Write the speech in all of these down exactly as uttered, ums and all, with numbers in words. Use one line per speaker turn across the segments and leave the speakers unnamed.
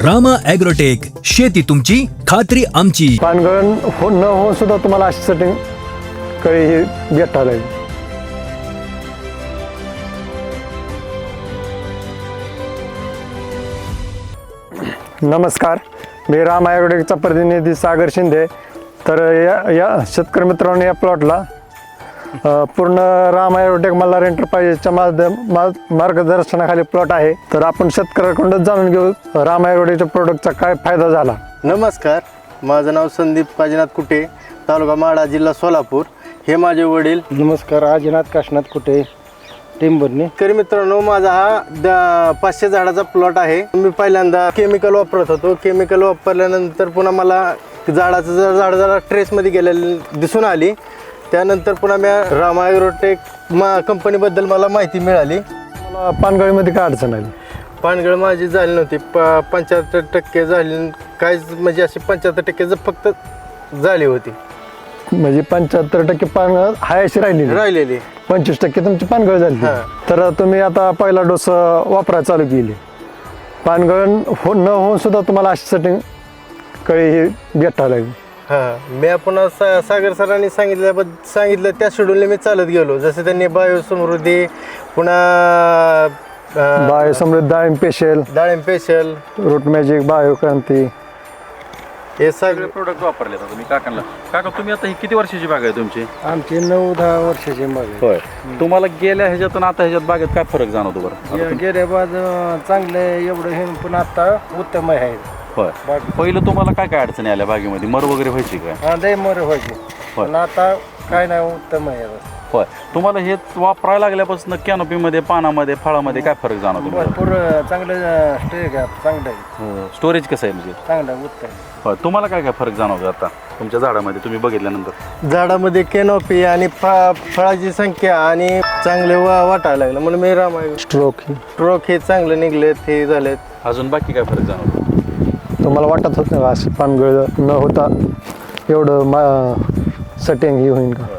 Rama agrotech, शेती तुमची खात्री आमची.
पानगळण हो न होऊन सुद्धा तुम्हाला अशी सेटिंग कळी ही भेटायला लागली. नमस्कार, मी राम ॲग्रोटेकचा प्रतिनिधी सागर शिंदे. तर या या शेतकरी मित्रांनो, या प्लॉटला अ, पूर्ण राम ॲग्रोटेक मल्हार एंटरप्राइजेसच्या माध्यम मा- मार्गदर्शनाखाली प्लॉट आहे. तर आपण शेतकऱ्याकडूनच जाणून घेऊ राम ॲग्रोटेकच्या प्रोडक्टचा काय फायदा झाला.
नमस्कार, माझं नाव संदीप काजीनाथ कुटे, तालुका माढा, जिल्हा सोलापूर. हे माझे वडील.
नमस्कार, आजीनाथ काशीनाथ कुटे, टेंबरनी.
शेतकरी मित्रांनो, माझा हा द- पाचशे झाडाचा प्लॉट आहे. मी पहिल्यांदा केमिकल वापरत होतो. केमिकल वापरल्यानंतर पुन्हा मला झाडाचं जर झाड जरा ट्रेसमध्ये गेलेलं दिसून आली. त्यानंतर पुन्हा मी राम ॲग्रोटेक मा कंपनीबद्दल मला माहिती मिळाली.
मला पानगळीमध्ये काय अडचण आली?
पानगळ माझी झाली नव्हती. प पंच्याहत्तर टक्के झाली, काहीच म्हणजे अशी पंच्याहत्तर टक्के ज- फक्त झाली होती,
म्हणजे पंच्याहत्तर टक्के पानगळ हाय अशी राहिली,
राहिलेली.
पंचवीस टक्के तुमची पानगळ झाली.
हा.
तर तुम्ही आता पहिला डोस वापरायला चालू केली. पानगळ हो न होऊन सुद्धा तुम्हाला अशी सेटिंग कळी ही भेटायला लागली.
हां, मी पुन्हा सा सागर सरांनी सांगितल्याबद्दल सांगितलं त्या शेड्यूलने मी चालत गेलो. जसं त्यांनी बायो समृद्धी, पुन्हा अं,
बायो समृद्ध, डाळिंब स्पेशल,
डाळिंब स्पेशल,
रूट मॅजिक, बायो क्रांती,
हे
सगळे
सगळे
प्रोडक्ट वापरले आता तुम्ही काकांना. काका, तुम्ही आता ही किती वर्षाची बाग आहे तुमची?
आमची नऊ दहा वर्षाची बाग आहे.
होय. तुम्हाला गेल्या ह्याच्यातून आता ह्याच्यात बागेत काय फरक जाणवतो बरं?
गे- गेल्या बाद चांगले एवढं हे पण आता उत्तम आहे.
होय. पहिलं तुम्हाला काय काय अडचणी आल्या बागेमध्ये? मर वगैरे व्हायची काय?
हा, लय मोर व्हायची,
होय.
पण आता काय नाही, उत्तम आहे.
होय. तुम्हाला हे वापरायला लागल्यापासून कॅनोपीमध्ये, पानामध्ये, फळामध्ये काय फरक जाणवतो बरं?
भरपूर चांगलं स्टे घ्या, चांगलं आहे,
स्टोरेज कसं आहे म्हणजे?
चांगलं आहे, उत्तम.
होय. तुम्हाला काय काय फरक जाणवतो आता तुमच्या झाडामध्ये तुम्ही बघितल्यानंतर?
झाडामध्ये केनोपी आणि फळा फळाची संख्या आणि चांगले वा वाटायला लागलं. म्हणून मी राम
स्ट्रोक ही
स्ट्रोक हे चांगले निघलेत, हे झालेत.
अजून बाकी काय फरक जाणवतो?
तुम्हाला वाटत होत नाही असं पानगळ न होता एवढं मा सेटिंग ही होईल का?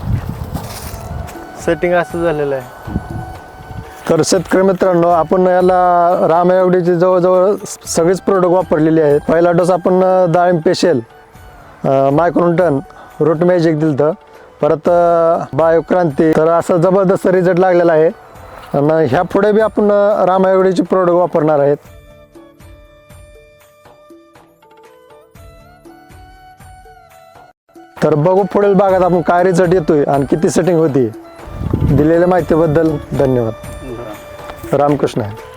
सेटिंग असं झालेलं आहे.
तर शेतकरी मित्रांनो, आपण याला राम ॲग्रोटेकचे जवळजवळ सगळेच प्रोडक्ट वापरलेले आहेत. पहिला डोस आपण डाळिंब स्पेशल, मायक्रोन्यूटन, रूट मॅजिक दिलं होतं, परत बायो क्रांती. तर असं जबरदस्त रिझल्ट लागलेला आहे. आणि ह्या पुढे बी आपण राम ॲग्रोटेकचे प्रोडक्ट वापरणार आहेत. तर बघू पुढील भागात आपण काय रिझल्ट येतोय आणि किती सेटिंग होती. दिलेल्या माहितीबद्दल धन्यवाद. रामकृष्ण.